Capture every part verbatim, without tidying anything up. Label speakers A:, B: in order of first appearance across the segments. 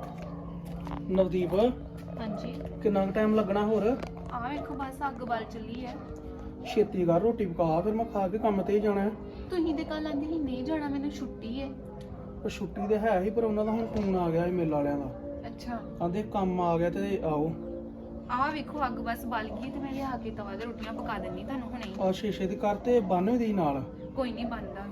A: ਨਵਦੀਪ
B: ਹਾਂਜੀ
A: ਕਿੰਨਾ ਟਾਈਮ ਲੱਗਣਾ ਹੋਰ?
B: ਆਹ ਵੇਖੋ ਬਸ ਅੱਗ ਬਲ ਚੱਲੀ ਹੈ।
A: ਛੇਤੀ ਕਰ ਰੋਟੀ ਪਕਾ, ਫਿਰ ਮੈਂ ਖਾ ਕੇ ਕੰਮ ਤੇ ਜਾਣਾ ਹੈ।
B: ਤੁਸੀਂ ਤੇ ਕੱਲ ਆਂਦੇ ਸੀ ਨਹੀਂ ਜਾਣਾ, ਮੈਨੂੰ ਛੁੱਟੀ ਹੈ।
A: ਉਹ ਛੁੱਟੀ ਤੇ ਹੈ ਹੀ, ਪਰ ਉਹਨਾਂ ਦਾ ਹੁਣ ਫੋਨ ਆ ਗਿਆ ਸੀ ਮੇਲ ਵਾਲਿਆਂ ਦਾ।
B: ਅੱਛਾ
A: ਕਹਿੰਦੇ ਕੰਮ ਆ ਗਿਆ ਤੇ ਆਓ।
B: ਆਹ ਵੇਖੋ ਅੱਗ ਬਸ ਬਲ ਗਈ ਤੇ ਮੈਂ ਲਿਆ ਕੇ ਤਵਾ ਤੇ ਰੋਟੀਆਂ ਪਕਾ ਦਿੰਨੀ ਤੁਹਾਨੂੰ ਹੁਣੇ ਹੀ।
A: ਆ ਸ਼ੀਸ਼ੇ ਦੀ ਕਰ ਤੇ ਬੰਨ ਦੀ ਨਾਲ
B: ਕੋਈ ਨਹੀਂ ਬਣਦਾ।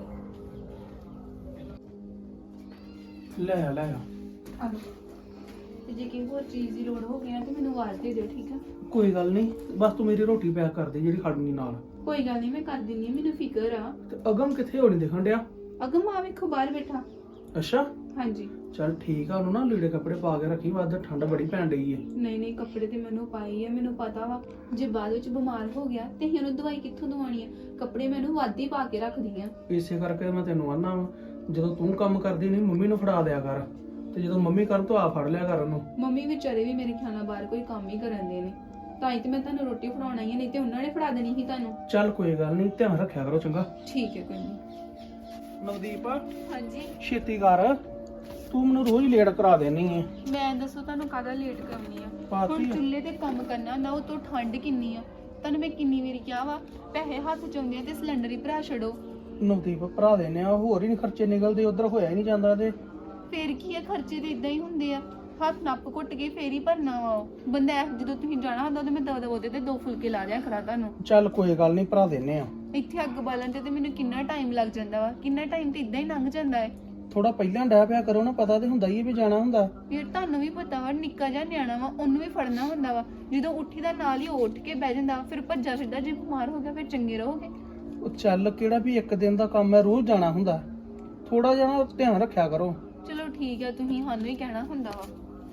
A: ਲੈ ਆ ਲੈ ਆ।
B: ਆਲੋ ਤੇ ਜੇ ਕਿਸੇ ਹੋਰ ਚੀਜ਼ ਦੀ ਲੋੜ ਹੋ ਗਈ ਨਾ ਤੇ ਮੈਨੂੰ ਆਵਾਜ਼ ਦੇ ਦਿਓ, ਠੀਕ ਆ?
A: ਕੋਈ ਗੱਲ ਨਹੀਂ, ਬਸ ਤੂੰ ਮੇਰੀ ਰੋਟੀ ਪੈਕ ਕਰ ਦੇ ਜਿਹੜੀ ਖੜਨੀ ਨਾਲ।
B: ਕੋਈ ਗੱਲ ਨਹੀਂ, ਮੈਂ ਕਰ ਦਿੰਨੀ ਆ, ਮੈਨੂੰ ਫਿਕਰ ਆ।
A: ਤੇ ਅਗਮ ਕਿੱਥੇ ਹੋਣੀ ਦਿਖਣ ਡਿਆ?
B: ਅਗਮ ਆ ਵੇਖੋ ਬਾਹਰ ਬੈਠਾ।
A: ਅੱਛਾ
B: ਹਾਂਜੀ
A: ਚੱਲ ਠੀਕ ਆ, ਉਹਨੂੰ ਨਾ ਲੀੜੇ ਕੱਪੜੇ ਪਾ ਕੇ ਰੱਖੀ, ਵੱਧ ਠੰਡ ਬੜੀ ਪੈਣ ਡਈ ਏ।
B: ਨਹੀਂ ਨਹੀਂ ਕੱਪੜੇ ਤੇ ਮੈਨੂੰ ਪਾਈ ਆ, ਮੈਨੂੰ ਪਤਾ ਵਾ ਜੇ ਬਾਅਦ ਵਿੱਚ ਬਿਮਾਰ ਹੋ ਗਿਆ ਤੇ ਅਸੀਂ ਉਹਨੂੰ ਦਵਾਈ ਕਿੱਥੋਂ ਦਵਾਉਣੀ ਆ। ਕੱਪੜੇ ਮੈਨੂੰ ਵੱਧ ਹੀ ਪਾ ਕੇ ਰੱਖਦੀ ਆ।
A: ਇਸੇ ਕਰਕੇ ਮੈਂ ਤੈਨੂੰ ਆਨਾ ਵਾ, ਜਦੋਂ ਤੂੰ ਕੰਮ ਕਰਦੀ ਨਹੀਂ ਮੰਮੀ ਨੂੰ ਫੜਾ ਦਿਆ ਕਰ, ਤੇ ਜਦੋਂ ਮੰਮੀ ਕਰਨ ਤੋਂ ਆ ਫੜ ਲਿਆ ਕਰ ਉਹਨੂੰ।
B: ਮੰਮੀ ਵਿਚਾਰੇ ਵੀ ਮੇਰੇ ਖਿਆਲ ਨਾਲ ਬਾਹਰ ਕੋਈ ਕੰਮ ਹੀ ਕਰਨ ਦੇ ਨੇ, ਤਾਂ ਹੀ ਤੇ ਮੈਂ ਤੁਹਾਨੂੰ ਰੋਟੀ ਫੜਾਉਣਾ ਹੀ ਆ, ਨਹੀਂ ਤੇ ਉਹਨਾਂ ਨੇ ਫੜਾ ਦੇਣੀ ਸੀ ਤੁਹਾਨੂੰ।
A: ਚੱਲ ਕੋਈ ਗੱਲ ਨਹੀਂ, ਧਿਆਨ ਰੱਖਿਆ ਕਰੋ ਚੰਗਾ।
B: ਠੀਕ ਹੈ ਕੋਈ ਨਹੀਂ।
A: ਨਵਦੀਪ
B: ਹਾਂਜੀ
A: ਛੇਤੀ ਕਰ, ਤੂੰ ਮੈਨੂੰ ਰੋਜ਼ ਲੇਟ ਕਰਾ ਦੇਣੀ ਹੈ।
B: ਮੈਂ ਦੱਸੋ ਤੁਹਾਨੂੰ ਕਾਹਦਾ ਲੇਟ ਕਰਨੀ ਆ?
A: ਪਾਤੀ
B: ਹੁਣ
A: ਆ।
B: ਚੁੱਲ੍ਹੇ ਤੇ ਕੰਮ ਕਰਨਾ ਨਾ, ਉਹ ਤੋਂ ਠੰਡ ਕਿੰਨੀ ਆ। ਤੁਹਾਨੂੰ ਮੈਂ ਕਿੰਨੀ ਵਾਰੀ ਕਿਹਾ ਵਾ ਪੈਸੇ ਹੱਥ ਚ ਆਉਂਦੇ ਆ ਤੇ ਸਿਲੰਡਰ ਹੀ ਭਰਾ ਛੱਡੋ।
A: ਨਵਦੀਪ ਭਰਾ ਦੇਣੇ ਆ, ਹੋਰ ਹੀ ਨਹੀਂ ਖਰਚੇ ਨਿਕਲਦੇ, ਉਧਰ ਹੋਇਆ ਹੀ ਨਹੀਂ ਜਾਂਦਾ ਤੇ
B: ਫੇਰ ਕੀ ਆ, ਖਰਚੇ ਤੇ ਇਦਾਂ ਹੀ ਹੁੰਦੇ ਆ। ਹੱਥ ਨੱਪ ਘੁੱਟ ਕੇ ਫੇਰ ਹੀ ਭਰਨਾ ਵਾ ਉਹ ਬੰਦਾ। ਇਹ ਜਦੋਂ ਤੁਸੀਂ ਜਾਣਾ ਹੁੰਦਾ ਤੇ ਮੈਂ ਦਵਾ ਦਵਾ ਉਹਦੇ ਤੇ ਦੋ ਫੁਲਕੇ ਲਾ ਦਿਆ ਕਰਾਂ ਤੁਹਾਨੂੰ।
A: ਚੱਲ ਕੋਈ ਗੱਲ ਨਹੀਂ, ਭਰਾ ਦੇਣੇ ਆ।
B: ਇੱਥੇ ਅੱਗ ਬਾਲਣ ਤੇ ਤੇ ਮੈਨੂੰ ਕਿੰਨਾ ਟਾਈਮ ਲੱਗ ਜਾਂਦਾ ਵਾ, ਕਿੰਨਾ ਟਾਈਮ ਤੇ ਇਦਾਂ ਹੀ ਲੰਘ ਜਾਂਦਾ ਹੈ।
A: ਥੋੜਾ ਪਹਿਲਾਂ ਡਹਿ ਪਿਆ ਕਰੋ ਨਾ, ਪਤਾ ਤੇ ਹੁੰਦਾ ਹੀ ਹੈ ਵੀ ਜਾਣਾ ਹੁੰਦਾ।
B: ਯਾਰ ਤੁਹਾਨੂੰ ਵੀ ਪਤਾ ਵਾ ਨਿੱਕਾ ਜਿਹਾ ਨਿਆਣਾ ਵਾ, ਉਹਨੂੰ ਵੀ ਫੜਨਾ ਹੁੰਦਾ ਵਾ। ਜਦੋਂ ਉੱਠੀ ਦਾ ਨਾਲ ਹੀ ਉਹ ਉੱਠ ਕੇ ਬਹਿ ਜਾਂਦਾ, ਫਿਰ ਭੱਜਾ ਸਿੱਧਾ। ਜੇ ਬਿਮਾਰ ਹੋ ਗਿਆ ਫਿਰ ਚੰਗੇ ਰਹੋਗੇ?
A: ਉਹ ਚੱਲ ਕਿਹੜਾ ਵੀ ਇੱਕ ਦਿਨ ਦਾ ਕੰਮ ਹੈ, ਰੋਜ਼ ਜਾਣਾ ਹੁੰਦਾ। ਥੋੜਾ ਜਿਹਾ ਧਿਆਨ ਰੱਖਿਆ ਕਰੋ।
B: ਚਲੋ ਠੀਕ ਹੈ, ਤੁਸੀਂ ਸਾਨੂੰ ਹੀ ਕਹਿਣਾ ਹੁੰਦਾ ਵਾ।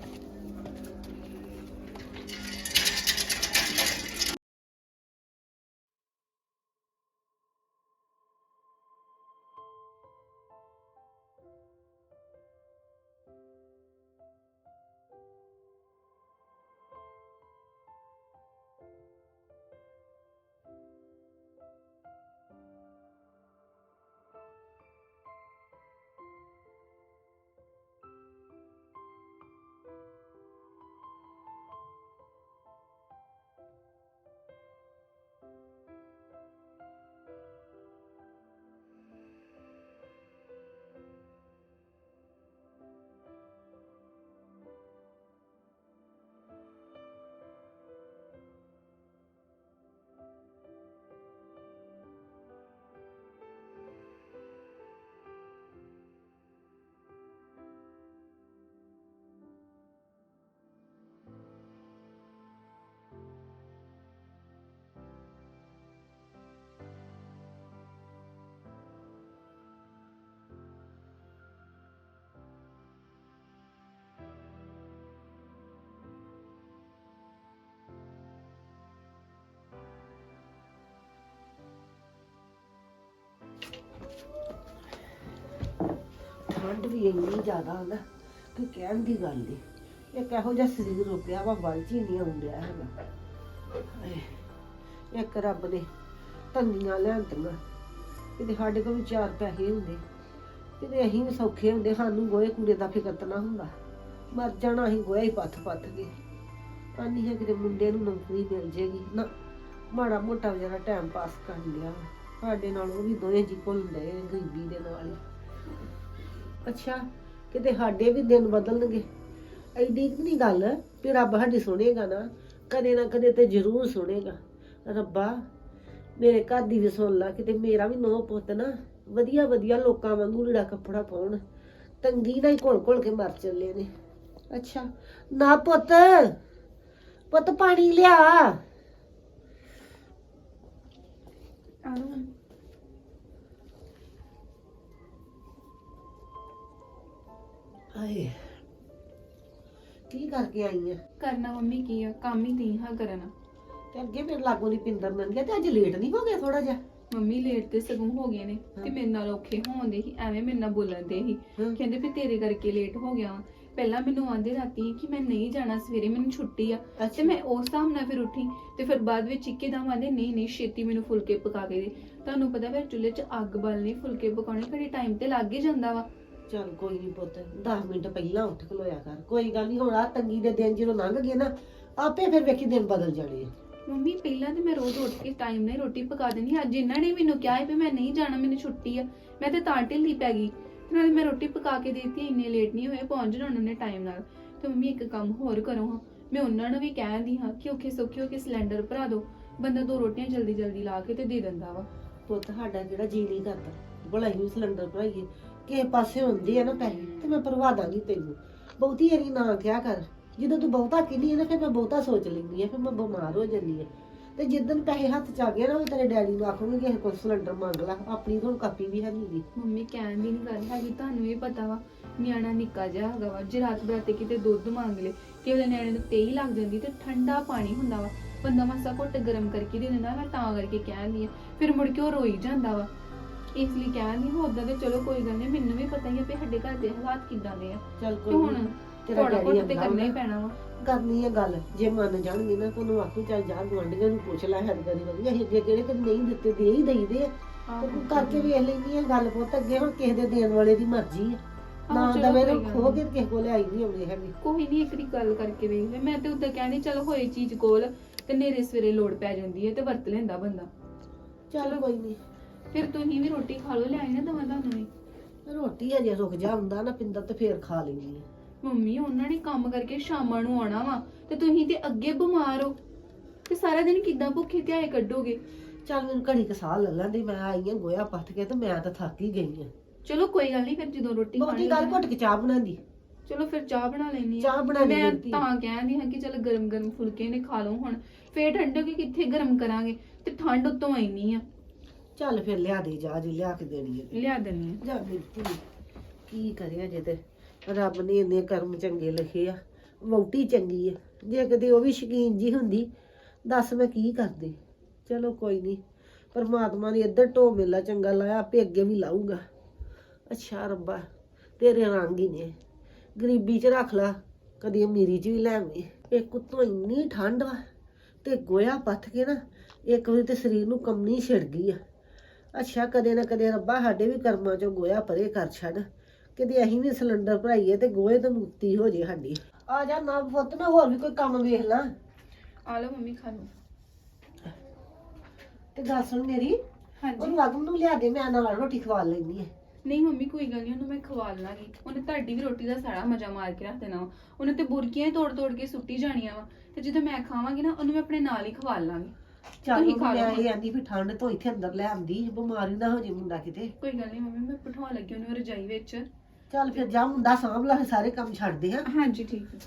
C: ਠੰਡ ਵੀ ਇੰਨੀ ਜ਼ਿਆਦਾ ਨਾ ਕਿ ਕਹਿਣ ਦੀ ਗੱਲ ਨਹੀਂ। ਇੱਕ ਇਹੋ ਜਿਹਾ ਸਰੀਰ ਹੋ ਗਿਆ ਵਾ, ਵੱਲ 'ਚ ਹੀ ਨਹੀਂ ਆਉਂਦਿਆ ਹੈਗਾ। ਹਾਏ, ਇੱਕ ਰੱਬ ਨੇ ਤੰਗੀਆਂ ਲਿਆਂਦੀਆਂ, ਕਿਤੇ ਸਾਡੇ ਕੋਲ ਵੀ ਚਾਰ ਪੈਸੇ ਹੁੰਦੇ, ਕਿਤੇ ਅਸੀਂ ਵੀ ਸੌਖੇ ਹੁੰਦੇ, ਸਾਨੂੰ ਗੋਹੇ ਕੂੜੇ ਦਾ ਫਿਕਰ ਤਾਂ ਨਾ ਹੁੰਦਾ। ਮਰ ਜਾਣਾ ਅਸੀਂ ਗੋਹਾ ਹੀ ਪੱਥ ਪੱਥ ਕੇ। ਆਨੀ ਹੈ ਕਿਤੇ ਮੁੰਡੇ ਨੂੰ ਨੌਕਰੀ ਮਿਲ ਜੇਗੀ ਨਾ, ਮਾੜਾ ਮੋਟਾ ਵਿਚਾਰਾ ਟਾਈਮ ਪਾਸ ਕਰ ਲਿਆ। ਸਾਡੇ ਨਾਲ ਉਹ ਵੀ ਦੋਵੇਂ ਜੀ ਘੁਲਦੇ ਗਰੀਬੀ ਦੇ ਨਾਲ ਹੀ। ਅੱਛਾ ਕਿਤੇ ਸਾਡੇ ਵੀ ਦਿਨ ਬਦਲਣਗੇ, ਐਡੀ ਨਹੀਂ ਗੱਲ ਵੀ ਰੱਬ ਸਾਡੀ ਸੁਣੇਗਾ ਨਾ, ਕਦੇ ਨਾ ਕਦੇ ਤੇ ਜ਼ਰੂਰ ਸੁਣੇਗਾ। ਰੱਬਾ ਮੇਰੇ ਘਰ ਦੀ ਵੀ ਸੁਣ ਲਾ, ਕਿਤੇ ਮੇਰਾ ਵੀ ਨੌ ਪੁੱਤ ਨਾ ਵਧੀਆ ਵਧੀਆ ਲੋਕਾਂ ਵਾਂਗੂ ਲੀੜਾ ਕੱਪੜਾ ਪਾਉਣ, ਤੰਗੀ ਨਾਲ ਹੀ ਘੁਲ ਘੁਲ ਕੇ ਮਰ ਚੱਲੇ ਨੇ। ਅੱਛਾ ਨਾ ਪੁੱਤ, ਪੁੱਤ ਪਾਣੀ ਲਿਆ। ਹਾਏ ਕੀ ਕਰਕੇ ਆਈ ਆ?
B: ਕਰਨਾ ਮੰਮੀ ਕੀ ਆ, ਕੰਮ ਹੀ ਨਹੀਂ ਹਾਂ ਕਰਨਾ।
C: ਤੇ ਅੱਗੇ ਮੇਰੇ ਲਾਗੋਂ ਦੀ ਪਿੰਦਰ ਲੰਘ ਗਿਆ ਤੇ ਅੱਜ ਲੇਟ ਨਹੀਂ ਹੋ ਗਿਆ ਥੋੜਾ ਜਿਹਾ?
B: ਮੰਮੀ ਲੇਟ ਤੇ ਸਗੋਂ ਹੋ ਗਏ ਨੇ ਤੇ ਮੇਰੇ ਨਾਲ ਔਖੇ ਹੋਣਦੇ ਸੀ, ਐਵੇਂ ਮੇਰੇ ਨਾਲ ਬੋਲਣ ਦੇ ਸੀ। ਕਹਿੰਦੇ ਵੀ ਤੇਰੇ ਕਰਕੇ ਲੇਟ ਹੋ ਗਿਆ ਵਾ। ਪਹਿਲਾਂ ਮੈਨੂੰ ਆਂਦੇ ਰਾਤੀ ਕਿ ਮੈਂ ਨਹੀਂ ਜਾਣਾ ਸਵੇਰੇ, ਮੈਨੂੰ ਛੁੱਟੀ ਆ, ਤੇ ਮੈਂ ਉਸ ਹਿਸਾਬ ਨਾਲ ਫਿਰ ਉੱਠੀ। ਤੇ ਫਿਰ ਬਾਅਦ ਵਿੱਚ ਇੱਕੇ ਦਮ ਆਂਦੇ ਨਹੀਂ ਨਹੀਂ ਛੇਤੀ ਮੈਨੂੰ ਫੁਲਕੇ ਪਕਾ ਕੇ ਦੇ। ਤੁਹਾਨੂੰ ਪਤਾ ਫਿਰ ਚੁੱਲ੍ਹੇ 'ਚ ਅੱਗ ਬਾਲਣੀ, ਫੁਲਕੇ ਪਕਾਉਣੇ, ਘੜੀ ਟਾਈਮ ਤੇ ਲੱਗ ਹੀ ਜਾਂਦਾ ਵਾ।
C: ਚੱਲ ਕੋਈ ਨਹੀਂ ਪੁੱਤ ਦਸ ਮਿੰਟ ਪਹਿਲਾਂ ਉੱਠ ਖਲੋਇਆ ਕਰ, ਕੋਈ ਗੱਲ ਨਹੀਂ। ਹੁਣ ਆ ਤੰਗੀ ਦੇ ਦਿਨ ਜਦੋਂ ਲੰਘ ਗਏ ਨਾ ਆਪੇ ਫਿਰ ਵੇਖੀ ਦਿਨ ਬਦਲ ਜਾਣੇ ਆ।
B: ਮੰਮੀ ਪਹਿਲਾਂ ਤੇ ਮੈਂ ਰੋਜ਼ ਉੱਠ ਕੇ ਟਾਈਮ ਨਾਲ ਰੋਟੀ ਪਕਾ ਦੇਣੀ, ਅੱਜ ਇਹਨਾਂ ਨੇ ਮੈਨੂੰ ਕਿਹਾ ਹੈ ਵੀ ਮੈਂ ਨਹੀਂ ਜਾਣਾ, ਮੈਨੂੰ ਛੁੱਟੀ ਆ, ਮੈਂ ਤੇ ਤਾਂ ਢਿੱਲੀ ਪੈ ਗਈ। ਨਾਲੇ ਮੈਂ ਰੋਟੀ ਪਕਾ ਕੇ ਦੇਤੀ, ਇੰਨੇ ਲੇਟ ਨਹੀਂ ਹੋਏ, ਪਹੁੰਚ ਜਾਣਾ ਉਹਨਾਂ ਨੇ ਟਾਈਮ ਨਾਲ। ਤੇ ਮੰਮੀ ਇੱਕ ਕੰਮ ਹੋਰ ਕਰੋ ਹਾਂ, ਮੈਂ ਉਹਨਾਂ ਨੂੰ ਵੀ ਕਹਿੰਦੀ ਹਾਂ ਕਿ ਔਖੇ ਸੌਖੇ ਹੋ ਕੇ ਸਿਲੰਡਰ ਭਰਾ ਦਿਓ, ਬੰਦਾ ਦੋ ਰੋਟੀਆਂ ਜਲਦੀ ਜਲਦੀ ਲਾ ਕੇ ਤੇ ਦੇ ਦਿੰਦਾ ਵਾ।
C: ਪੁੱਤ ਸਾਡਾ ਜਿਹੜਾ ਜੀ ਨਹੀਂ ਕਰਦਾ ਭਲਾ ਹੀ ਸਿਲੰਡਰ ਭਰਾਈਏ, ਕਿਸੇ ਪਾਸੇ ਹੁੰਦੇ ਆ ਨਾ ਪੈਸੇ ਤੇ ਮੈਂ ਭਰਵਾ ਦਾਂਗੀ ਤੈਨੂੰ। ਬਹੁਤੀ ਏਰੀ ਨਾ ਕਿਹਾ ਕਰ, ਜਦੋਂ ਤੂੰ ਬਹੁਤਾ ਕਹਿੰਦੀ ਹੈ ਨਾ ਫਿਰ ਮੈਂ ਬਹੁਤਾ ਸੋਚ ਲੈਂਦੀ ਆ, ਫਿਰ ਮੈਂ ਬਿਮਾਰ ਹੋ ਜਾਂਦੀ ਆ। ਤੇ ਜਿੱਦਣ ਪੈਸੇ ਹੱਥ ਚ ਆ ਗਏ ਨਾ ਉਹ ਤੇਰੇ ਡੈਡੀ ਨੂੰ ਆਖੂਗੀ ਕਿ ਕੋਈ ਸਿਲੰਡਰ ਮੰਗ ਲਾ, ਆਪਣੀ ਤਾਂ ਹੁਣ ਕਾਪੀ ਵੀ ਹੈ ਨਹੀਂ।
B: ਮੰਮੀ ਕਹਿਣ ਦੀ ਨਹੀਂ ਗੱਲ ਹੈਗੀ, ਤੁਹਾਨੂੰ ਵੀ ਪਤਾ ਵਾ ਨਿਆਣਾ ਨਿੱਕਾ ਜਿਹਾ ਹੈਗਾ ਵਾ, ਜੇ ਰਾਤ ਬਰਾਤੇ ਕਿਤੇ ਦੁੱਧ ਮੰਗ ਲੇ ਕਿ ਉਹਦੇ ਨਿਆਣੇ ਨੂੰ ਤੇਈ ਲੱਗ ਜਾਂਦੀ, ਤੇ ਠੰਡਾ ਪਾਣੀ ਹੁੰਦਾ ਵਾ, ਬੰਦਾ ਮਾਸਾ ਘੁੱਟ ਗਰਮ ਕਰਕੇ ਦੇ ਦਿੰਦਾ। ਮੈਂ ਤਾਂ ਕਰਕੇ ਕਹਿੰਦੀ ਆ, ਫਿਰ ਮੁੜ ਕੇ ਉਹ ਰੋਈ ਜਾਂਦਾ ਵਾ, ਇਸ ਲਈ ਕਹਿੰਦੀ ਹਾਂ। ਉਦਾਂ ਤੇ ਚਲੋ ਕੋਈ ਗੱਲ ਨਹੀਂ, ਮੈਨੂੰ ਵੀ ਪਤਾ ਹੀ ਆ ਵੀ ਸਾਡੇ ਘਰ ਦੇ ਹਾਲਾਤ ਕਿੱਦਾਂ ਦੇ ਆ।
C: ਚੱਲ
B: ਤੇ
C: ਕੋਈ
B: ਹੁਣ
C: ਨੀ,
B: ਥੋੜਾ ਬਹੁਤ ਤੇ ਕਰਨਾ ਹੀ ਪੈਣਾ ਵਾ।
C: ਕਰਨੀ ਹੈ ਗੱਲ, ਜੇ ਮੰਨ ਜਾਣਗੇ ਨਾ ਤੁਹਾਨੂੰ ਆਖੂ ਚੱਲ ਜਾ ਗੁਆਂਢੀਆਂ ਨੂੰ ਪੁੱਛ ਲੈ, ਹਰ ਕਰੀ ਵਧੀਆ ਅਸੀਂ ਅੱਗੇ ਕਿਹੜੇ ਕਦੇ ਨਹੀਂ ਦਿੱਤੇ, ਦੇ ਹੀ ਦਈਦੇ ਆ। ਤੇ ਤੂੰ ਕਰਕੇ ਵੇਖ ਲੈਂਦੀ ਆ ਗੱਲ ਪੁੱਤ, ਅੱਗੇ ਹੁਣ ਕਿਸੇ ਦੇ ਦੇਣ ਵਾਲੇ ਦੀ ਮਰਜ਼ੀ ਆ, ਨਾ ਦਵੇ ਨੂੰ ਖੋ ਕੇ ਕਿਸੇ ਕੋਲ ਆਈ ਨਹੀਂ ਆਉਂਦੇ ਹੈਗੇ।
B: ਕੋਈ ਨਹੀਂ, ਇੱਕ ਦੀ ਗੱਲ ਕਰਕੇ ਵੇਖ ਲੈ। ਮੈਂ ਤੇ ਉਦਾਂ ਕਹਿੰਦੀ ਚਲ ਹੋਏ ਚੀਜ਼ ਕੋਲ ਤੇ ਨੇਰੇ ਸਵੇਰੇ ਲੋੜ ਪੈ ਜਾਂਦੀ ਹੈ ਤੇ ਵਰਤ ਲੈਂਦਾ ਬੰਦਾ।
C: ਚੱਲ ਕੋਈ ਨਹੀਂ,
B: ਫਿਰ ਤੁਸੀਂ ਵੀ ਰੋਟੀ ਖਾ ਲਓ, ਲਿਆਈ ਨਾ ਦਵਾਂ ਤੁਹਾਨੂੰ ਵੀ।
C: ਰੋਟੀ ਅਜੇ ਰੁਕ ਜਾ ਹੁੰਦਾ ਨਾ ਪਿੰਦਰ ਤੇ ਫੇਰ ਖਾ ਲੈਂਦੀ ਆ।
B: ਮੰਮੀ ਉਹਨਾਂ ਨੇ ਕੰਮ ਕਰਕੇ ਸ਼ਾਮਾਂ ਨੂੰ ਆਉਣਾ ਵਾ, ਤੇ ਤੁਸੀਂ ਤੇ ਅੱਗੇ ਬਿਮਾਰ ਹੋ, ਤੇ ਸਾਰਾ ਦਿਨ ਕਿੱਦਾਂ ਭੁੱਖੇ ਧਿਆਏ ਕੱਢੋਗੇ।
C: ਚੱਲ ਮੈਨੂੰ ਘੜੀ ਕ ਸਾਹ ਲੈ ਲੈਂਦੀ, ਮੈਂ ਆਈ ਆ ਗੋਇਆ ਪੱਥ ਕੇ ਤੇ ਮੈਂ ਤਾਂ ਥੱਕ ਹੀ ਗਈ ਆ।
B: ਚਲੋ ਕੋਈ ਗੱਲ ਨਹੀਂ, ਫਿਰ ਜਦੋਂ ਰੋਟੀ
C: ਬਹੁਤੀ ਗੱਲ ਘੁੱਟ ਕੇ ਚਾਹ ਬਣਾਉਂਦੀ।
B: ਚਲੋ ਫਿਰ ਚਾਹ ਬਣਾ ਲੈਣੀ
C: ਚਾਹ ਬਣਾ ਲਈ
B: ਮੈਂ
C: ਦਿੱਤੀ।
B: ਤਾਂ ਕਹਿੰਦੀ ਹਾਂ ਕਿ ਚਲ ਗਰਮ ਗਰਮ ਫੁਲਕੇ ਨੇ ਖਾ ਲਓ ਹੁਣ, ਫੇਰ ਠੰਡੇ ਕਿ ਕਿੱਥੇ ਗਰਮ ਕਰਾਂਗੇ, ਤੇ ਠੰਡ ਉਤੋਂ ਆਈਨੀ ਆ।
C: ਚੱਲ ਫਿਰ ਲਿਆ ਦੇ ਜਾ, ਜੀ ਲਿਆ ਕੇ ਦੇਣੀ ਹੈ
B: ਲਿਆ ਦਿੰਨੀ ਆ।
C: ਜਾ ਮਿਲਤੀ ਕੀ ਕਰਿਆ ਜੇ ਤੇ ਰੱਬ ਨੇ ਇੰਨੇ ਕਰਮ ਚੰਗੇ ਲਿਖੇ ਆ, ਵਹੁਟੀ ਚੰਗੀ ਆ। ਜੇ ਕਦੇ ਉਹ ਵੀ ਸ਼ਕੀਨ ਜੀ ਹੁੰਦੀ ਦੱਸ ਮੈਂ ਕੀ ਕਰਦੀ। ਚਲੋ ਕੋਈ ਨਹੀਂ, ਪਰਮਾਤਮਾ ਨੇ ਇੱਧਰ ਢੋ ਮੇਲਾ ਚੰਗਾ ਲਾਇਆ, ਆਪੇ ਅੱਗੇ ਵੀ ਲਾਊਗਾ। ਅੱਛਾ ਰੱਬਾ ਤੇਰੇ ਰੰਗ ਹੀ ਨੇ, ਗਰੀਬੀ 'ਚ ਰੱਖ ਲਾ, ਕਦੀ ਅਮੀਰੀ 'ਚ ਵੀ ਲੈ ਆਵੀਂ। ਇੱਕ ਉੱਤੋਂ ਇੰਨੀ ਠੰਡ ਵਾ ਤੇ ਗੋਇਆ ਪੱਥ ਕੇ ਨਾ ਇੱਕ ਵਾਰੀ ਤੇ ਸਰੀਰ ਨੂੰ ਕੰਮਣੀ ਛਿੜ ਗਈ ਆ। ਅੱਛਾ ਕਦੇ ਨਾ ਕਦੇ ਰੱਬਾ ਸਾਡੇ ਵੀ ਕਰਮਾਂ 'ਚੋਂ ਗੋਇਆ ਪਰੇ ਕਰ ਛੱਡ, ਕਿਤੇ ਅਸੀਂ ਵੀ ਸਿਲੰਡਰ ਭਰਾਈਏ ਤੇ ਗੋਹੇ ਤੋਂ ਮੁਕਤੀ ਹੋ ਜੇ ਸਾਡੀ। ਆ ਜਾ ਨਾ ਪੁੱਤ, ਮੈਂ ਹੋਰ ਵੀ ਕੋਈ ਕੰਮ ਵੇਖ ਲਾਂ।
B: ਆ ਲਓ ਮੰਮੀ ਖਾ ਲਓ।
C: ਤੇ ਗੱਲ ਸੁਣ ਮੇਰੀ,
B: ਹਾਂਜੀ
C: ਉਹਨੂੰ ਆਗਮ ਨੂੰ ਲਿਆ ਦੇ, ਮੈਂ ਨਾਲ ਰੋਟੀ ਖਵਾ ਲੈਣੀ ਹੈ।
B: ਨਹੀਂ ਮੰਮੀ ਕੋਈ ਗੱਲ ਨਹੀਂ, ਉਹਨੂੰ ਮੈਂ ਖਵਾ ਲਾਂਗੀ। ਉਹਨੇ ਤੁਹਾਡੀ ਵੀ ਰੋਟੀ ਦਾ ਸਾਰਾ ਮਜ਼ਾ ਮਾਰ ਕੇ ਰੱਖ ਦੇਣਾ ਵਾ, ਉਹਨੇ ਤੇ ਬੁਰਕੀਆਂ ਹੀ ਤੋੜ ਤੋੜ ਕੇ ਸੁੱਟੀ ਜਾਣੀਆਂ ਵਾ, ਤੇ ਜਦੋਂ ਮੈਂ ਖਾਵਾਂਗੀ ਨਾ ਉਹਨੂੰ ਮੈਂ ਆਪਣੇ ਨਾਲ ਹੀ ਖਵਾ ਲਾਂਗੀ।
C: ਚੱਲ
B: ਤੁਸੀਂ ਖਾ
C: ਮੈਂ
B: ਲਓ।
C: ਇਹ ਆਂਦੀ ਵੀ ਠੰਡ ਤੋਂ ਇੱਥੇ ਅੰਦਰ ਲੈ ਆਂਦੀ, ਬਿਮਾਰੀ ਨਾ ਹੋ ਜੇ ਮੁੰਡਾ ਕਿਤੇ।
B: ਕੋਈ ਗੱਲ ਨਹੀਂ ਮੰਮੀ, ਮੈਂ ਬਿਠਾ ਲੱਗੀ ਉਹਨੂੰ ਰਜਾਈ ਵਿੱਚ।
C: ਚੱਲ ਫਿਰ ਜਾ, ਮੁੰਡਾ ਸਾਂਭ ਲਾ, ਸਾਰੇ ਕੰਮ ਛੱਡਦੇ ਆ।
B: ਹਾਂਜੀ ਠੀਕ ਹੈ।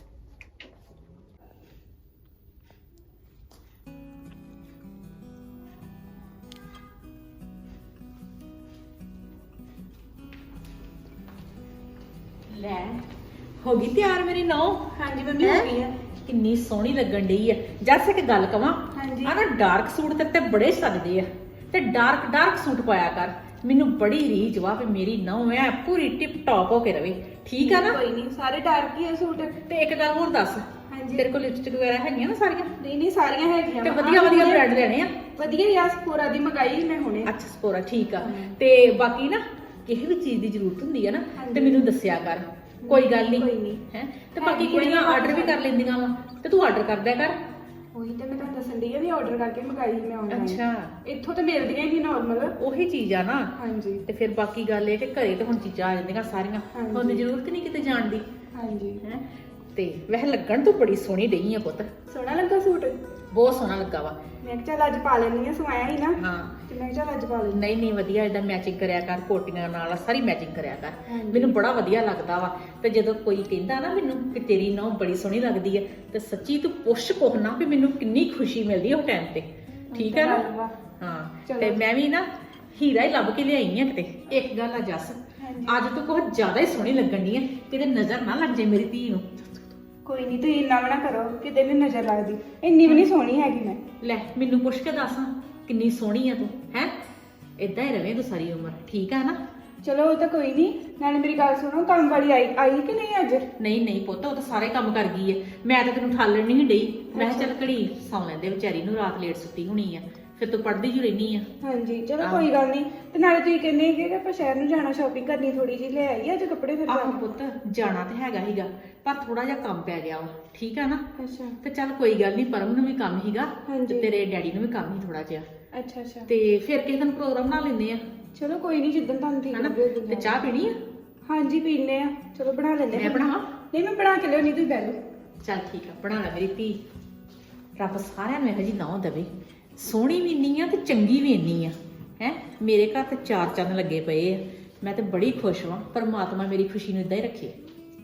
D: ਲੈ ਹੋ ਗਈ ਤਿਆਰ ਮੇਰੀ ਨੌ।
B: ਹਾਂਜੀ ਮੰਮੀ ਹੋ ਗਈ ਹੈ।
D: ਕਿੰਨੀ ਸੋਹਣੀ ਲੱਗਣ ਡਈ ਆ। ਜੱਸ ਇੱਕ ਗੱਲ ਕਵਾਂ,
B: ਹਾਂਜੀ।
D: ਆ ਨਾ ਡਾਰਕ ਸੂਟ ਤੇ ਤੇ ਬੜੇ ਸੱਜਦੇ ਆ, ਤੇ ਡਾਰਕ ਡਾਰਕ ਸੂਟ ਪਾਇਆ ਕਰ। ਮੈਨੂੰ ਬੜੀ ਰੀਝ ਵਾ ਵੀ ਮੇਰੀ ਨੌ ਐ ਪੂਰੀ ਟਿਪ ਟੌਪ ਹੋ ਕੇ ਰਵੇ, ਠੀਕ ਆ ਨਾ?
B: ਕੋਈ ਨਹੀਂ, ਸਾਰੇ ਡਾਰਕ ਹੀ ਆ ਸੂਟ।
D: ਤੇ ਇੱਕ ਗੱਲ ਹੋਰ ਦੱਸ,
B: ਹਾਂਜੀ।
D: ਤੇਰੇ ਕੋਲ ਲਿਪਸਟਿਕ ਵਗੈਰਾ ਹੈਗੀਆਂ ਨਾ ਸਾਰੀਆਂ?
B: ਨਹੀਂ ਨਹੀਂ ਸਾਰੀਆਂ ਹੈਗੀਆਂ
D: ਤੇ
B: ਵਾ।
D: ਵਧੀਆ ਵਧੀਆ ਬ੍ਰਾਂਡ ਲੈਣੇ ਆ।
B: ਵਧੀਆ ਯਾਰ ਸਪੋਰਾ ਦੀ ਮੰਗਾਈ ਮੈਂ ਹੁਣੇ।
D: ਅੱਛਾ ਸਪੋਰਾ, ਠੀਕ ਆ। ਤੇ ਬਾਕੀ ਨਾ ਕਿਸੇ ਵੀ ਚੀਜ਼ ਦੀ ਜ਼ਰੂਰਤ ਹੁੰਦੀ ਆ ਨਾ ਤੇ ਮੈਨੂੰ ਦੱਸਿਆ ਕਰ, ਕੋਈ ਗੱਲ ਨਹੀਂ।
B: ਕੋਈ ਨਹੀਂ
D: ਹੈ ਤੇ ਬਾਕੀ ਕੁੜੀਆਂ ਆਰਡਰ ਵੀ ਕਰ ਲੈਂਦੀਆਂ ਵਾ, ਤੇ ਤੂੰ ਆਰਡਰ ਕਰ ਦਿਆ ਕਰ।
B: ਉਹੀ ਤੇ ਮੈਂ ਤੁਹਾਨੂੰ ਦੱਸਣ ਦੀ ਆ ਵੀ ਆਰਡਰ ਕਰਕੇ ਮੰਗਾਈ ਮੈਂ ਆਨਲਾਈਨ।
D: ਅੱਛਾ,
B: ਇੱਥੋਂ ਤਾਂ ਮਿਲਦੀਆਂ ਹੀ ਨਾਰਮਲ।
D: ਉਹੀ ਚੀਜ਼ ਆ ਨਾ।
B: ਹਾਂਜੀ
D: ਤੇ ਫਿਰ ਬਾਕੀ ਗੱਲ ਇਹ ਕਿ ਘਰੇ ਤੇ ਹੁਣ ਚੀਜ਼ਾਂ ਆ ਜਾਂਦੀਆਂ ਸਾਰੀਆਂ,
B: ਹਾਂਜੀ।
D: ਹੁਣ ਜ਼ਰੂਰਤ ਨਹੀਂ ਕਿਤੇ ਜਾਣ ਦੀ।
B: ਹਾਂਜੀ।
D: ਹੈ ਤੇ ਵੈਸੇ ਲੱਗਣ ਤੋਂ ਬੜੀ ਸੋਹਣੀ ਡਈ ਆ ਪੁੱਤ,
B: ਸੋਹਣਾ ਲੱਗਾ ਸੂਟ।
D: ਬਹੁਤ ਸੋਹਣਾ ਲੱਗਾ ਵਾ।
B: ਮੈਂ ਕਿਹਾ ਚੱਲ ਅੱਜ ਪਾ ਲੈਣੀ ਆ, ਸਵਾਇਆ ਹੀ ਨਾ।
D: ਹਾਂ
B: ਤੇ ਮੈਂ ਕਿਹਾ ਚੱਲ ਅੱਜ ਪਾ ਲੈਣੀ।
D: ਨਹੀਂ ਨਹੀਂ ਵਧੀਆ, ਇਹਦਾ ਮੈਚਿੰਗ ਕਰਿਆ ਕਰ, ਕੋਟੀਆਂ ਨਾਲ ਸਾਰੀ ਮੈਚਿੰਗ ਕਰਿਆ ਕਰ।
B: ਹਾਂਜੀ।
D: ਮੈਨੂੰ ਬੜਾ ਵਧੀਆ ਲੱਗਦਾ ਵਾ। ਤੇ ਜਦੋਂ ਕੋਈ ਕਹਿੰਦਾ ਨਾ ਮੈਨੂੰ ਕਿ ਤੇਰੀ ਨੌ ਬੜੀ ਸੋਹਣੀ ਲੱਗਦੀ ਹੈ, ਤੇ ਸੱਚੀ ਤੂੰ ਪੁੱਛ ਕੋਹ ਨਾ ਵੀ ਮੈਨੂੰ ਕਿੰਨੀ ਖੁਸ਼ੀ ਮਿਲਦੀ ਉਹ ਟਾਈਮ ਤੇ, ਠੀਕ ਹੈ ਨਾ? ਹਾਂ
B: ਚਲੋ।
D: ਤੇ ਮੈਂ ਵੀ ਨਾ ਹੀਰਾ ਹੀ ਲੱਭ ਕੇ ਲਿਆਈ ਆ ਕਿਤੇ। ਇੱਕ ਗੱਲ ਆ ਜੱਸ,
B: ਹਾਂਜੀ।
D: ਅੱਜ ਤੂੰ ਕੁਝ ਜ਼ਿਆਦਾ ਹੀ ਸੋਹਣੀ ਲੱਗਣ ਦੀ ਹੈ, ਕਿਤੇ ਨਜ਼ਰ ਨਾ ਲੱਗ ਜਾਏ ਮੇਰੀ ਧੀ ਨੂੰ।
B: ਕੋਈ ਨਹੀਂ, ਤੁਸੀਂ ਇੰਨਾ ਵੀ ਨਾ ਕਰੋ ਕਿਤੇ ਵੀ ਨਜ਼ਰ ਲੱਗਦੀ, ਇੰਨੀ ਵੀ ਨਹੀਂ ਸੋਹਣੀ ਹੈਗੀ ਮੈਂ।
D: ਲੈ ਮੈਨੂੰ ਪੁੱਛ ਕੇ ਦੱਸ ਕਿੰਨੀ ਸੋਹਣੀ ਆ ਤੂੰ, ਹੈ ਇਦਾਂ ਹੀ ਰਵੇਂ ਤੂੰ ਸਾਰੀ ਉਮਰ, ਠੀਕ ਆ ਨਾ?
B: ਚਲੋ ਉਹ ਤਾਂ ਕੋਈ ਨਹੀਂ। ਨਾਲੇ ਮੇਰੀ ਗੱਲ ਸੁਣੋ, ਕੰਮ ਵਾਲੀ ਆਈ ਆਈ ਕਿ ਨਹੀਂ ਅੱਜ?
D: ਨਹੀਂ ਨਹੀਂ ਪੁੱਤ, ਉਹ ਤਾਂ ਸਾਰੇ ਕੰਮ ਕਰ ਗਈ ਹੈ। ਮੈਂ ਤਾਂ ਤੈਨੂੰ ਠਾਲਣ ਨਹੀਂ ਡਈ, ਮੈਂ ਕਿਹਾ ਚੱਲ ਘੜੀ ਸੌਂ ਲੈਂਦੇ ਵਿਚਾਰੀ ਨੂੰ, ਰਾਤ ਲੇਟ ਸੁੱਤੀ ਹੋਣੀ ਆ, ਫਿਰ ਤੂੰ ਪੜ੍ਹਦੀ ਜੂ ਰਹਿਨੀ ਆ।
B: ਹਾਂਜੀ ਚਲੋ
D: ਆਹੋ।
B: ਕੋਈ ਗੱਲ ਨਹੀਂ। ਤੇ ਨਾਲੇ ਤੁਸੀਂ ਕਹਿੰਦੇ ਕਿ ਆਪਾਂ ਸ਼ਹਿਰ ਨੂੰ ਜਾਣਾ ਸ਼ਾਪਿੰਗ ਕਰਨੀ ਥੋੜੀ ਜਿਹੀ ਲੈ ਆਈ ਅੱਜ ਕੱਪੜੇ ਫਿਰ
D: ਆਹ ਪੁੱਤ ਜਾਣਾ ਤੇ ਹੈਗਾ ਹੀਗਾ ਪਰ ਥੋੜਾ ਜਿਹਾ ਕੰਮ ਪੈ ਗਿਆ ਵਾ ਠੀਕ ਆ ਨਾ।
B: ਅੱਛਾ
D: ਤੇ ਚੱਲ ਕੋਈ ਗੱਲ ਨਹੀਂ ਪਰਮ ਨੂੰ ਵੀ ਕੰਮ ਹੀਗਾ
B: ਹਾਂਜੀ।
D: ਤੇ ਤੇਰੇ ਡੈਡੀ ਨੂੰ ਵੀ ਕੰਮ ਹੀ ਥੋੜਾ ਜਿਹਾ
B: ਅੱਛਾ ਅੱਛਾ
D: ਤੇ ਫਿਰ ਕਿਸੇ ਦਿਨ ਪ੍ਰੋਗਰਾਮ ਬਣਾ ਲੈਂਦੇ ਆ
B: ਚਲੋ ਕੋਈ ਨਹੀਂ ਜਿੱਦਣ ਤੁਹਾਨੂੰ ਠੀਕ
D: ਹਨਾ
B: ਲੱਗੇ ਉਦੋਂ
D: ਤੇ ਚਾਹ ਪੀਣੀ ਆ
B: ਹਾਂਜੀ ਪੀਨੇ ਆ ਚਲੋ ਬਣਾ ਲੈਂਦੇ
D: ਮੈਂ ਬਣਾਵਾਂ?
B: ਨਹੀਂ ਮੈਂ ਬਣਾ ਕੇ ਲਿਆਉਣੀ ਤੁਸੀਂ ਬਹਿ ਲਓ।
D: ਚੱਲ ਠੀਕ ਆ ਬਣਾ ਲੈ ਮੇਰੀ ਧੀ। ਰੱਬ ਸਾਰਿਆਂ ਨੂੰ ਇਹੋ ਜਿਹੀ ਨੌਂ ਦੇਵੇ ਸੋਹਣੀ ਵੀ ਇੰਨੀ ਆ ਤੇ ਚੰਗੀ ਵੀ ਇੰਨੀ ਆ ਹੈ। ਮੇਰੇ ਘਰ ਤੇ ਚਾਰ ਚੰਨ ਲੱਗੇ ਪਏ ਆ ਮੈਂ ਤੇ ਬੜੀ ਖੁਸ਼ ਹਾਂ। ਪਰਮਾਤਮਾ ਮੇਰੀ ਖੁਸ਼ੀ ਨੂੰ ਇਦਾਂ ਹੀ ਰੱਖੇ।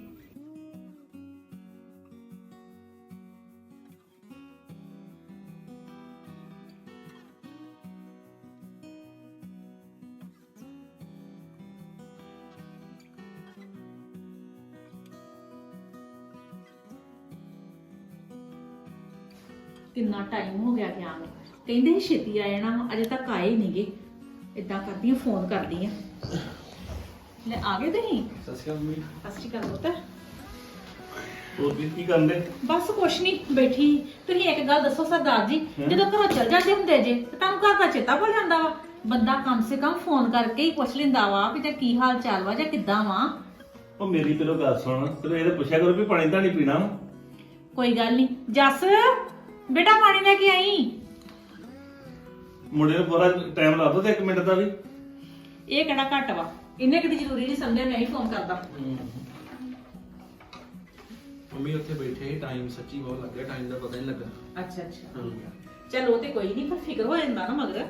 D: ਕਿੰਨਾ ਟਾਈਮ ਹੋ ਗਿਆ ਗਿਆ ਨੂੰ ਕਹਿੰਦੇ ਸੀ ਛੇਤੀ ਆ ਜਾਣਾ ਅਜੇ ਤੱਕ ਆਏ ਨਹੀਂਗੇ। ਇਦਾਂ ਕਰਦੀ ਆ ਫੋਨ ਕਰਦੀ ਆ। ਲੈ ਆ ਗਏ ਤੁਸੀਂ?
A: ਸਤਿ ਸ਼੍ਰੀ ਅਕਾਲ ਮੰਮੀ।
D: ਸਤਿ ਸ਼੍ਰੀ ਅਕਾਲ ਪੁੱਤ।
E: ਹੋਰ ਵੀ ਕੀ ਕਰਦੇ?
D: ਬਸ ਕੁਛ ਨਹੀਂ ਬੈਠੀ। ਤੁਸੀਂ ਇੱਕ ਗੱਲ ਦੱਸੋ ਸਰਦਾਰ ਜੀ ਜਦੋਂ ਘਰੋਂ ਚਲ ਜਾਂਦੇ ਹੁੰਦੇ ਜੇ ਤੇ ਤੁਹਾਨੂੰ ਘਰ ਦਾ ਚੇਤਾ ਭੁੱਲ ਜਾਂਦਾ ਵਾ? ਬੰਦਾ ਕਮ ਸੇ ਕਮ ਫੋਨ ਕਰਕੇ ਹੀ ਪੁੱਛ ਲੈਂਦਾ ਵਾ ਵੀ ਜਾਂ ਕੀ ਹਾਲ ਚਾਲ ਵਾ ਜਾਂ ਕਿੱਦਾਂ ਵਾ।
E: ਉਹ ਮੇਰੀ ਪਹਿਲੋਂ ਗੱਲ ਸੁਣ ਤੇ ਇਹਦੇ ਪੁੱਛਿਆ ਕਰੋ ਵੀ ਪਾਣੀ ਤਾਂ ਨਹੀਂ ਪੀਣਾ।
D: ਕੋਈ ਗੱਲ ਨਹੀਂ। ਜੱਸ ਬੇਟਾ ਪਾਣੀ ਲੈ ਕੇ ਆਈ।
E: ਮੁੰਡੇ ਨੂੰ ਪੂਰਾ ਟਾਈਮ ਲਾ ਦੋ ਤੇ ਇੱਕ ਮਿੰਟ ਦਾ ਵੀ।
D: ਇਹ ਕਿਹੜਾ ਘੱਟ ਵਾ ਇਹਨੇ ਕਿਤੇ ਜ਼ਰੂਰੀ ਨਹੀਂ ਸਮਝਿਆ ਮੈਂ ਹੀ ਫੋਨ ਕਰਦਾ।
A: ਮੰਮੀ ਉੱਥੇ ਬੈਠੇ ਸੀ ਟਾਈਮ ਸੱਚੀ ਬਹੁਤ ਲੱਗ ਗਿਆ ਟਾਈਮ ਦਾ ਪਤਾ ਨਹੀਂ ਲੱਗਾ।
D: ਅੱਛਾ ਅੱਛਾ ਚਲੋ ਉਹ ਤੇ ਕੋਈ ਨਹੀਂ ਪਰ ਫਿਕਰ ਹੋ ਜਾਂਦਾ ਨਾ ਮਗਰ।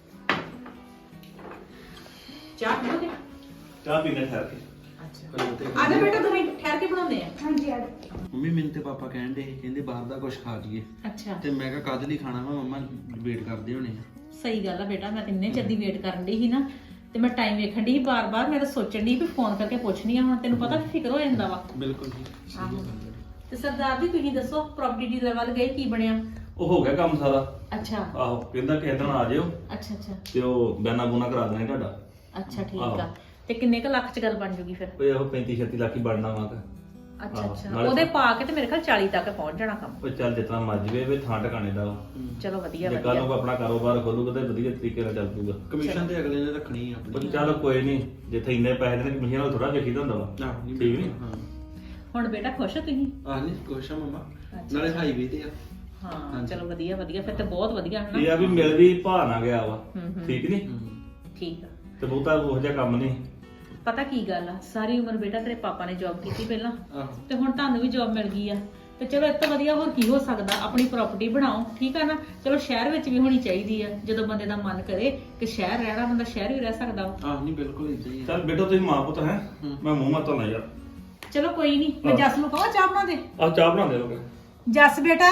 D: ਚਾਹ ਪੀਓਗੇ?
E: ਚਾਹ ਪੀਣਾ ਠਹਿਰ ਕੇ।
D: ਅੱਛਾ ਆ ਜਾ ਬੇਟਾ ਤੁਸੀਂ ਠਹਿਰ ਕੇ ਬਣਾਉਂਦੇ ਆ।
B: ਹਾਂਜੀ ਆ
F: ਮੰਮੀ ਮੈਨੂੰ ਤੇ ਪਾਪਾ ਕਹਿਣ ਦੇ ਕਹਿੰਦੇ ਬਾਹਰ ਦਾ ਕੁਝ ਖਾ ਜੀਏ
D: ਅੱਛਾ
F: ਤੇ ਮੈਂ ਕਿਹਾ ਕਦ ਲਈ ਖਾਣਾ ਵਾ ਮੰਮਾ ਵੇਟ ਕਰਦੇ ਹੋਣੇ ਆ।
D: ਸਹੀ ਗੱਲ ਆ ਬੇਟਾ ਮੈਂ ਇੰਨੇ ਚਿਰ ਦੀ ਵੇਟ ਕਰਨ ਦੀ ਸੀ ਨਾ ਤੇ ਮੈਂ ਟਾਈਮ ਵੇਖਣ ਦੀ ਸੀ ਬਾਰ-ਬਾਰ। ਮੈਂ ਤਾਂ ਸੋਚਣ ਦੀ ਵੀ ਫੋਨ ਕਰਕੇ ਪੁੱਛਣੀ ਆ ਹੁਣ ਤੈਨੂੰ ਪਤਾ ਫਿਕਰ ਹੋ ਜਾਂਦਾ ਵਾ।
F: ਬਿਲਕੁਲ ਜੀ
D: ਆਹੋ। ਤੇ ਸਰਦਾਰ ਜੀ ਤੁਸੀਂ ਦੱਸੋ ਪ੍ਰਾਪਰਟੀ ਡੀਲਰ ਵੱਲ ਗਏ ਕੀ ਬਣਿਆ?
E: ਉਹ ਹੋ ਗਿਆ ਕੰਮ ਸਾਰਾ।
D: ਅੱਛਾ
E: ਆਹੋ ਕਹਿੰਦਾ ਕਿਸੇ ਦਿਨ ਆ ਜਿਓ
D: ਅੱਛਾ ਅੱਛਾ
E: ਤੇ ਉਹ ਬੈਨਾ ਬੂਨਾ ਕਰਾ ਦੇਣਾ ਤੁਹਾਡਾ।
D: ਅੱਛਾ ਠੀਕ
E: ਆਹੋ।
D: ਆ। ਤੇ ਕਿੰਨੇ ਕੁ ਲੱਖ ਚ ਗੱਲ ਬਣ ਜੂਗੀ ਫਿਰ?
E: ਉਹ ਉਹ ਪੈਂਤੀ ਛੱਤੀ ਲੱਖ ਹੀ ਬਣਨਾ ਵਾ ਤਾਂ।
D: ਅੱਛਾ
E: ਆਹੋ,
D: ਅੱਛਾ
E: ਨਾਲੇ
D: ਉਹਦੇ ਪਾ ਕੇ ਤੇ ਮੇਰੇ ਖਿਆਲ ਚਾਲੀ ਤੱਕ ਪਹੁੰਚ ਜਾਣਾ ਕੰਮ।
E: ਉਹ ਚੱਲ ਜਿਤਨਾ ਮਰਜੀ ਵੇ ਵੇ ਥਾਂ ਟਿਕਾਣੇ ਦਾ ਵਾ।
D: ਚਲੋ ਵਧੀਆ
E: ਜੇ ਕੱਲ ਨੂੰ
D: ਵਧੀਆ।
E: ਆਪਣਾ ਕਾਰੋਬਾਰ ਖੋਲੂਗਾ ਤੇ ਵਧੀਆ ਤਰੀਕੇ ਨਾਲ ਚੱਲ ਪੂਗਾ।
F: ਕਮਿਸ਼ਨ ਤੇ ਅਗਲੇ ਨੇ ਰੱਖਣੀ ਆ
E: ਉਹ
F: ਆਪਣੀ।
E: ਚੱਲ ਕੋਈ ਨਹੀਂ ਜਿੱਥੇ ਇੰਨੇ ਪੈਸੇ ਦੇ ਕਮਿਸ਼ਨ ਨਾਲ ਥੋੜਾ ਵੇਖੀਦਾ ਹੁੰਦਾ ਵਾ।
F: ਆਹ ਨਹੀਂ
E: ਠੀਕ ਨੀ?
F: ਹਾਂ
D: ਹੁਣ ਬੇਟਾ ਖੁਸ਼ ਹੋ ਤੁਸੀਂ?
F: ਆਹ ਨਹੀਂ ਕੁਛ ਆ ਮੰਮਾ
D: ਅੱਛਾ।
F: ਨਾਲੇ ਹਾਈਵੇ ਤੇ ਆ।
D: ਹਾਂ
F: ਹਾਂਜੀ।
D: ਚਲੋ ਵਧੀਆ ਵਧੀਆ ਫਿਰ ਤੇ ਬਹੁਤ ਵਧੀਆ ਹੈ
E: ਇਹ
D: ਨਾ।
E: ਆ ਵੀ ਮਿਲ ਵੀ ਭਾਅ ਨਾ ਗਿਆ ਵਾ।
D: ਹੂੰ, ਹੂੰ।
E: ਠੀਕ ਨਹੀਂ?
F: ਹਮ,
D: ਠੀਕ ਆ।
E: ਤੇ ਬਹੁਤਾ ਉਹੋ ਜਿਹਾ ਕੰਮ ਨਹੀਂ।
D: ਪਤਾ ਕੀ ਗੱਲ ਆ ਸਾਰੀ ਉਮਰ ਬੇਟਾ ਤੇਰੇ ਪਾਪਾ ਨੇ ਜੌਬ ਕੀਤੀ ਪਹਿਲਾਂ
F: ਆਹੋ
D: ਤੇ ਹੁਣ ਤੁਹਾਨੂੰ ਵੀ ਜੌਬ ਮਿਲ ਗਈ ਆ ਤੇ ਚਲੋ ਇਸ ਤੋਂ ਵਧੀਆ ਹੋਰ ਕੀ ਹੋ ਸਕਦਾ। ਆਪਣੀ ਪ੍ਰਾਪਰਟੀ ਬਣਾਓ ਠੀਕ ਆ ਨਾ। ਚਲੋ ਸ਼ਹਿਰ ਵਿੱਚ ਵੀ ਹੋਣੀ ਚਾਹੀਦੀ ਆ ਜਦੋਂ ਬੰਦੇ ਦਾ ਮਨ ਕਰੇ ਕਿ ਸ਼ਹਿਰ ਰਹਿਣਾ ਬੰਦਾ ਸ਼ਹਿਰ ਵੀ ਰਹਿ ਸਕਦਾ ਵਾ।
F: ਆਹ ਨਹੀਂ ਬਿਲਕੁਲ ਇਦਾਂ ਹੀ ਆ।
E: ਚੱਲ ਬੇਟਾ ਤੁਸੀਂ ਮਾਂ ਪੁੱਤ ਹੈ ਮੈਂ ਮੂੰਹ ਮਾ ਧੋਣਾ ਯਾਰ।
D: ਚਲੋ ਕੋਈ ਨਹੀਂ ਮੈਂ
E: ਹਾਂ।
D: ਜੱਸ ਨੂੰ ਕਹਾਂ ਚਾਹ ਬਣਾ ਦੇ।
E: ਆਹ ਚਾਹ ਬਣਾ ਦੇ ਲੋਗੇ।
D: ਜੱਸ ਬੇਟਾ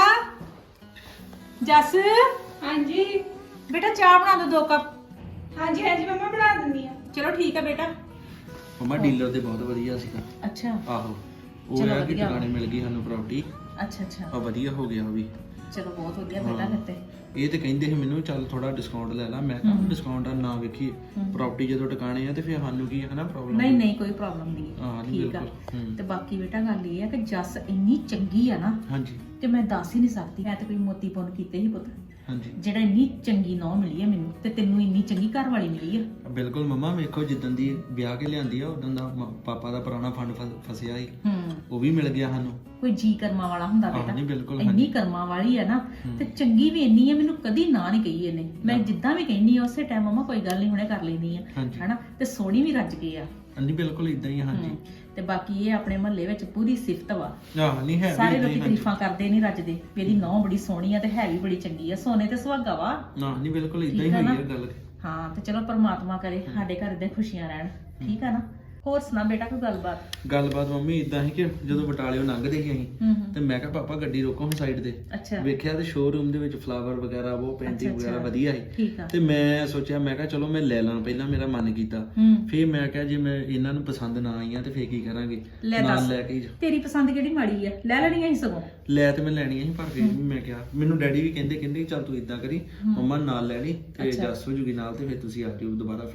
D: ਜੱਸ
B: ਹਾਂਜੀ
D: ਬੇਟਾ ਚਾਹ ਬਣਾ ਦੇ ਦੋ ਕੱਪ।
B: ਹਾਂਜੀ ਹਾਂਜੀ ਮੰਮਾ ਬਣਾ ਦਿੰਦੀ ਆ।
D: ਚਲੋ ਠੀਕ ਆ ਬੇਟਾ।
F: ਮੰਮਾ ਡੀਲਰ ਤੇ ਬਹੁਤ ਵਧੀਆ ਸੀਗਾ।
D: ਅੱਛਾ
F: ਆਹੋ ਉਹ
D: ਚਲੋ
F: ਆ ਕਿ
D: ਵਧੀਆ।
F: ਟਿਕਾਣੇ ਮਿਲ ਗਈ ਸਾਨੂੰ ਪ੍ਰਾਪਰਟੀ।
D: ਅੱਛਾ ਅੱਛਾ
F: ਆ ਵਧੀਆ ਹੋ ਗਿਆ ਉਹ ਵੀ।
D: ਚਲੋ ਬਹੁਤ ਵਧੀਆ ਬੇਟਾ ਫਿਰ ਤੇ।
F: ਇਹ ਤੇ ਕਹਿੰਦੇ ਸੀ ਮੈਨੂੰ ਚੱਲ ਥੋੜਾ ਡਿਸਕਾਊਂਟ ਲੈ ਲਾ। ਮੈਂ ਕਿਹਾ
D: ਹਮ।
F: ਡਿਸਕਾਊਂਟ ਨਾ ਵੇਖੀ
D: ਹਮ।
F: ਪ੍ਰਾਪਰਟੀ ਜਦੋਂ ਟਿਕਾਣੇ ਆ ਤੇ ਫਿਰ ਸਾਨੂੰ ਕੀ ਹੈ ਨਾ ਪ੍ਰੋਬਲਮ।
D: ਨਹੀਂ ਨਹੀਂ ਕੋਈ ਪ੍ਰੋਬਲਮ ਨਹੀਂ
F: ਹਾਂ,
D: ਹੈ।
F: ਨਹੀਂ,
D: ਠੀਕ ਆ।
F: ਬਿਲਕੁਲ। ਹੂੰ।
D: ਤੇ ਬਾਕੀ ਬੇਟਾ ਗੱਲ ਇਹ ਆ ਕਿ ਜੱਸ ਇੰਨੀ ਚੰਗੀ ਆ ਨਾ
F: ਹਾਂਜੀ
D: ਤੇ ਮੈਂ ਦੱਸ ਹੀ ਨਹੀਂ ਸਕਦੀ। ਮੈਂ ਤੇ ਕੋਈ ਮੋਤੀ ਪੁੰਨ ਕੀਤੇ ਹੀ ਪੁੱਤ
F: ਹਾਂਜੀ
D: ਜਿਹੜਾ ਇੰਨੀ ਚੰਗੀ ਨੌ ਮਿਲੀ ਆ ਮੈਨੂੰ ਤੇ ਤੈਨੂੰ ਇੰਨੀ ਚੰਗੀ ਘਰ ਵਾਲੀ ਮਿਲੀ ਆ।
F: ਬਿਲਕੁਲ ਮੰਮਾ ਵੇਖੋ ਜਿੱਦਣ ਦੀ ਵਿਆਹ ਕੇ ਲਿਆਂਦੀ ਆ ਉਦੋਂ ਦਾ ਮ- ਪਾਪਾ ਦਾ ਪੁਰਾਣਾ ਫੰਡ ਫਸ- ਫਸਿਆ ਸੀ
D: ਹੂੰ
F: ਉਹ ਵੀ ਮਿਲ ਗਿਆ ਸਾਨੂੰ।
D: ਕੋਈ ਜੀ ਕਰਮਾਂ ਵਾਲਾ ਹੁੰਦਾ
F: ਹਾਂ,
D: ਬੇਟਾ।
F: ਨਹੀਂ, ਬਿਲਕੁਲ,
D: ਇੰਨੀ
F: ਹਾਂਜੀ।
D: ਕਰਮਾਂ ਵਾਲੀ ਆ ਨਾ
F: ਹੂੰ।
D: ਤੇ ਚੰਗੀ ਵੀ ਇੰਨੀ ਆ ਮੈਨੂੰ ਕਦੀ ਨਾ ਨਹੀਂ ਕਹੀ ਇਹਨੇ। ਮੈਂ
F: ਨਾ।
D: ਜਿੱਦਾਂ ਵੀ ਕਹਿੰਨੀ ਆ ਉਸੇ ਟਾਈਮ ਮਮਾ ਕੋਈ ਗੱਲ ਨਹੀਂ ਹੁਣੇ ਕਰ ਲੈਂਦੀ ਆ
F: ਹਾਂਜੀ।
D: ਹਨਾ ਤੇ ਸੋਹਣੀ ਵੀ ਰੱਜ ਗਈ ਆ।
F: ਹਾਂਜੀ ਬਿਲਕੁਲ ਇਦਾਂ ਹੀ ਆ, ਹਾਂਜੀ
D: ਹੂੰ। ਤੇ ਬਾਕੀ ਇਹ ਆਪਣੇ ਮਹੱਲੇ ਵਿੱਚ ਪੂਰੀ ਸਿਫਤ ਵਾ।
F: ਆਹ ਨਹੀਂ ਹੈ ਵੀ
D: ਸਾਰੇ
F: ਏਦਾਂ ਹੀ,
D: ਲੋਕੀ
F: ਹਾਂਜੀ।
D: ਤਾਰੀਫਾਂ ਕਰਦੇ ਨਹੀਂ ਰੱਜਦੇ ਵੀ ਇਹਦੀ ਨੌ ਬੜੀ ਸੋਹਣੀ ਆ ਤੇ ਹੈ ਵੀ ਬੜੀ ਚੰਗੀ ਆ। ਸੋਨੇ ਤੇ ਸੁਹਾਗਾ ਵਾ।
F: ਨਾ ਨਹੀਂ ਬਿਲਕੁਲ ਇਦਾਂ ਹੀ
D: ਠੀਕ ਆ
F: ਹੋਈ
D: ਨਾ?
F: ਹੈ ਗੱਲ।
D: ਹਾਂ ਤੇ ਚਲੋ ਪਰਮਾਤਮਾ ਕਰੇ ਸਾਡੇ ਘਰ ਦੇ ਖੁਸ਼ੀਆਂ ਰਹਿਣ। ਠੀਕ ਆ ਨਾ। ਹੋਰ ਸੁਣਾ ਬੇਟਾ ਕੋਈ ਗੱਲਬਾਤ?
F: ਗੱਲਬਾਤ ਮੰਮੀ ਇਦਾਂ ਹੀ ਕਿ ਜਦੋਂ ਬਟਾਲਿਓ ਲੰਘਦੇ ਸੀ ਅਸੀਂ
D: ਹੂੰ ਹੂੰ
F: ਤੇ ਮੈਂ ਕਿਹਾ ਪਾਪਾ ਗੱਡੀ ਰੋਕੋ ਹੁਣ ਸਾਈਡ ਤੇ।
D: ਅੱਛਾ
F: ਵੇਖਿਆ ਤੇ ਸ਼ੋਰੂਮ ਦੇ ਵਿੱਚ ਫਲਾਵਰ ਵਗੈਰਾ ਉਹ ਪੇਂਟਿੰਗ
D: ਅੱਛਾ,
F: ਵਗੈਰਾ
D: ਅੱਛਾ।
F: ਵਧੀਆ ਸੀ।
D: ਠੀਕ ਆ।
F: ਤੇ ਮੈਂ ਸੋਚਿਆ ਮੈਂ ਕਿਹਾ ਚਲੋ ਮੈਂ ਲੈ ਲਾਂ ਪਹਿਲਾਂ ਮੇਰਾ ਮਨ ਕੀਤਾ।
D: ਹੂੰ
F: ਫਿਰ ਮੈਂ ਕਿਹਾ ਜੇ ਮੈਂ ਇਹਨਾਂ ਨੂੰ ਪਸੰਦ ਨਾ ਆਈਆਂ ਤੇ ਫੇਰ ਕੀ ਕਰਾਂਗੇ
D: ਲੈ
F: ਨਾਲ
D: ਦੱਸ।
F: ਲੈ ਕੇ ਹੀ ਜਾ-
D: ਤੇਰੀ ਪਸੰਦ ਕਿਹੜੀ ਮਾੜੀ ਆ? ਲੈ ਲੈਣੀਆਂ ਸੀ ਸਗੋਂ।
F: ਲੈ ਤੇ ਮੈਂ ਲੈਣੀਆਂ ਸੀ ਪਰ ਫਿਰ ਵੀ ਮੈਂ ਕਿਹਾ ਮੈਨੂੰ ਡੈਡੀ ਵੀ ਕਹਿੰਦੇ ਕਹਿੰਦੇ ਚੱਲ ਤੂੰ ਇਦਾਂ ਕਰੀ ਮੰਮਾ ਨਾਲ ਲੈ ਲਈ ਤੇ
D: ਅੱਛਾ।
F: ਜੱਸ ਹੋ ਜੂਗੀ ਨਾਲ ਤੇ ਫਿਰ ਤੁਸੀਂ ਆ ਜਿਓ ਦੁਬਾਰਾ ਫੇਰ।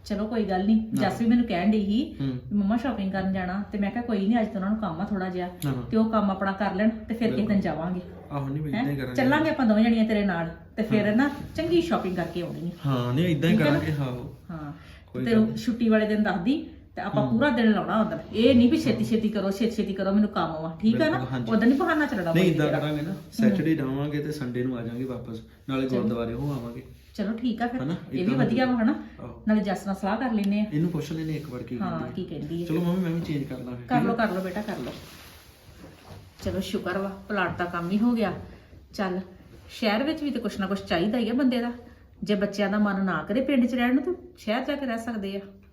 D: ਚਲੋ ਕੋਈ ਗੱਲ ਨਹੀਂ, ਜੱਸ ਵੀ ਮੈਨੂੰ ਕਹਿਣ ਡਈ ਸੀ
F: ਹੂੰ
D: ਮੰਮਾ ਸ਼ਾਪਿੰਗ ਕਰਨ ਜਾਣਾ, ਤੇ ਮੈਂ ਕਿਹਾ ਕੋਈ ਨਹੀਂ, ਅੱਜ ਤਾਂ ਉਹਨਾਂ ਨੂੰ ਕੰਮ ਆ ਥੋੜਾ ਜਿਹਾ,
F: ਹਾਂ
D: ਤੇ ਉਹ ਕੰਮ ਆਪਣਾ ਕਰ ਲੈਣ ਤੇ ਫਿਰ ਕਿਸੇ ਦਿਨ ਜਾਵਾਂਗੇ।
F: ਆਹੋ ਨਹੀਂ ਇਦਾਂ ਹੀ
D: ਹੈਂ?
F: ਕਰਾਂਗੇ।
D: ਚੱਲਾਂਗੇ ਆਪਾਂ ਦੋਵੇਂ ਜਣੀਆਂ ਤੇਰੇ ਨਾਲ, ਤੇ ਫਿਰ ਨਾ ਚੰਗੀ ਸ਼ਾਪਿੰਗ ਕਰਕੇ ਆਉਣੀ ਆ।
F: ਹਾਂ ਨਹੀਂ ਇਦਾਂ ਹੀ
D: ਠੀਕ ਹੈ ਨਾ?
F: ਕਰਾਂਗੇ। ਹਾਂ
D: ਹਾਂ
F: ਕੋਈ
D: ਤੇ
F: ਗੱਲ
D: ਉਹ ਛੁੱਟੀ ਵਾਲੇ ਦਿਨ ਦੱਸਦੀ, ਤੇ ਆਪਾਂ ਪੂਰਾ ਦਿਨ ਲਾਉਣਾ ਉਦੋਂ। ਇਹ ਨਹੀਂ ਵੀ ਛੇਤੀ ਛੇਤੀ ਕਰੋ ਛੇਤੀ ਛੇਤੀ ਕਰੋ ਮੈਨੂੰ ਕੰਮ ਵਾ, ਠੀਕ ਆ ਨਾ?
F: ਬਿਲਕੁਲ, ਹਾਂਜੀ।
D: ਉਦੋਂ ਨਹੀਂ ਬਹਾਨਾ ਚੱਲਣਾ
F: ਨਹੀਂ
D: ਕੋਈ
F: ਇਦਾਂ
D: ਤੇਰਾ।
F: ਕਰਾਂਗੇ ਨਾ, ਸੈਟਰਡੇ ਜਾਵਾਂਗੇ ਤੇ ਸੰਡੇ ਨੂੰ ਆ ਜਾਾਂਗੇ ਵਾਪਸ, ਨਾਲੇ ਗੁਰਦੁਆਰੇ ਹੋ ਆਵਾਂਗੇ।
D: ਚਲੋ ਠੀਕ ਆ ਫਿਰ,
F: ਹਨਾ?
D: ਇਹ ਵੀ
F: ਏਦਾਂ
D: ਵਧੀਆ ਵਾ ਹਨਾ,
F: ਆਹੋ।
D: ਨਾਲੇ ਜੱਸ ਨਾਲ ਸਲਾਹ ਕਰ ਲੈਨੇ ਆ।
F: ਇਹਨੂੰ ਪੁੱਛ ਲੈਨੇ ਇੱਕ ਵਾਰ ਕੀ
D: ਹਾਂ
F: ਕਹਿੰਦੀ
D: ਕੀ ਕਹਿੰਦੀ
F: ਹੈ।
D: ਹੈ।
F: ਚਲੋ ਮੰਮੀ ਮੈਂ ਵੀ ਚੇਂਜ ਕਰ ਲਾਂ ਫਿਰ।
D: ਕਰ ਲੋ ਕਰ ਲੋ ਬੇਟਾ ਕਰ ਲੋ। ਚਲੋ ਸ਼ੁਕਰ ਵਾ ਪਲਾਟ ਦਾ ਕੰਮ ਹੀ ਹੋ ਗਿਆ। ਚੱਲ ਸ਼ਹਿਰ ਵਿੱਚ ਵੀ ਤੇ ਕੁਛ ਨਾ ਕੁਛ ਚਾਹੀਦਾ ਹੀ ਆ ਬੰਦੇ ਦਾ, ਜੇ ਬੱਚਿਆਂ ਦਾ ਮਨ ਨਾ ਕਰੇ ਪਿੰਡ 'ਚ ਰਹਿਣ ਨੂੰ ਤਾਂ ਸ਼ਹਿਰ ਜਾ ਕੇ ਰਹਿ ਸਕਦੇ ਆ।